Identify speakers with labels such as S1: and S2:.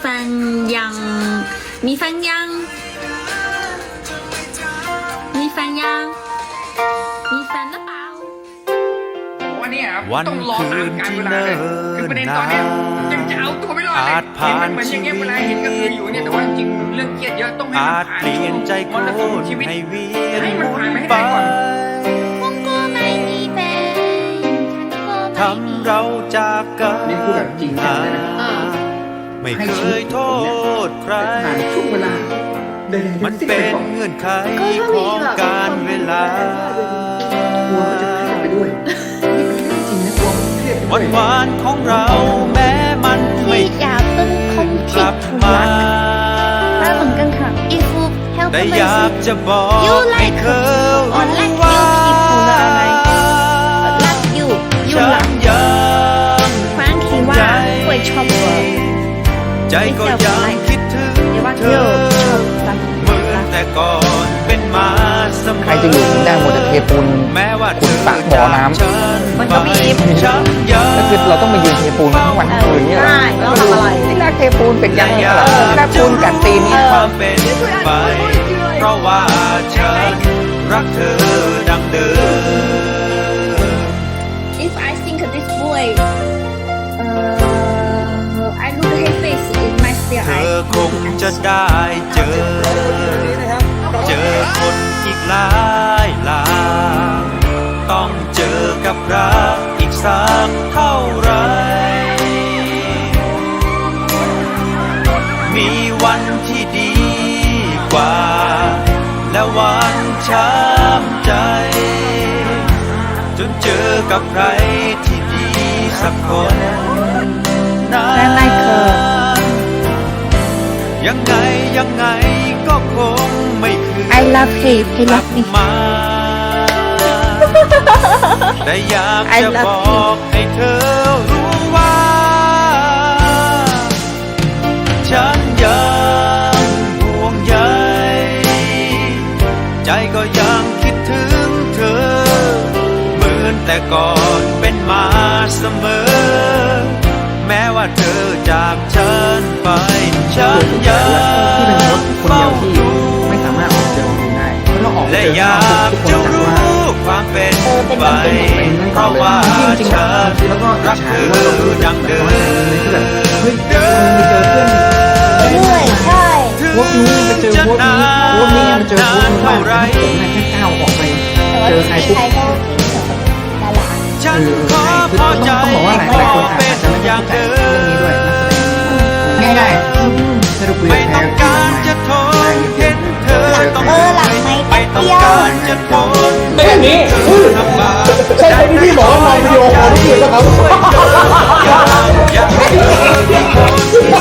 S1: นยังมีแฟนยังมีแฟนยังมีแฟนหรือเปล่า
S2: วันนี้ครับต้องรอตามการเวลาเลยคือประเด็นตอนนี้ยังจะเอาตัวไม่รอดเลยเห็นมันเหมือนอย่างเงี้ยเวลาเห็นก็คืออยู่เนี่ยแต่ว่าจริงเรื่องเครียดเยอะต้องให้มันผ่านช่วงมรสุมชีวิตให้มันผ่านไปให้ได้ก่อน
S3: ทำเราจากกัน
S2: นี่คือแบบจริงจังเลยนะ
S3: ไม่เคยโทษใคร
S2: ผ่านช่วงเวลา
S3: มันเป็นเงื่อนไขของการเวลาก
S2: ลัวก็จะเครียดไปด้วยจริงนะกลัวเครียดไปด้วย
S3: วันวานของเราแม้มันไม่กลับมาแต่อยากจะบอกให้เธอรู้ว่าฉันยังใจก็ยังคิดถึงเธอเหมือนแต่ก่อนเป็นมาเสมอ
S4: ใครจะอยู่ถึงได้หมดแต่เทปูน
S3: แม้ว่า
S4: ขุดปากบ่อน้ำ
S1: มันก็มี
S4: ก็คือเราต้องมายืนเทปูนทั้งวันทั้งคืนเนี่ยเราทำอะไรที่แรกเทปูนเป็นยังไงล่ะที่แรกปูนกัดตีนเนี่ย
S3: ความเป็นไปเพราะว่าฉันรักเธอดังเดิม
S1: If I think this boy I look at his face in my spare
S3: เธอคงจะได้เจอคนอีกหลายต้องเจอกับรักอีกสักเท่าไรมีวันที่ดีกว่าและวันช้ำใจจนเจอกับใครที่ดีสักคนนั้นยังไงก็คงไม่คืน
S1: I love him he love me
S3: แต่อยากจะบอกให้เธอรู้ว่าฉันยังห่วงใยใจก็ยังคิดถึงเธอเหมือนแต่ก่อนเป็นมาเสมอแม้ว่าเธอจากฉันไปฉันยังเฝ้าดู
S2: ไม่สามารถออกเจอคนได้เพราะเราออก
S3: และอยากจะรู้ความเป็นไปเพราะว่าฉันรักเธอดังเดิม
S1: ด้วยใช่
S2: พวกนู้นไปเจอพวกนี้พวกนี้มาเจอพวกนู้นว่าผมเนี่ยแค่ก้าวออกไปเจอใครปุ๊บ
S3: ฉันขอพอใจ
S2: ต้องบอกว่าหลายคนอาจจะไม่เข้าใจเรื่องนี้ด้วยนักแสดงง่ายๆสรุป
S3: ไม่ต้องการจะทนเห็นเธอต้องไม่ต้องการจะทน
S2: ไม่แบบนี้ใช่ที่พี่บอกว่ามองวิดีโอคอลที่แล้วครับ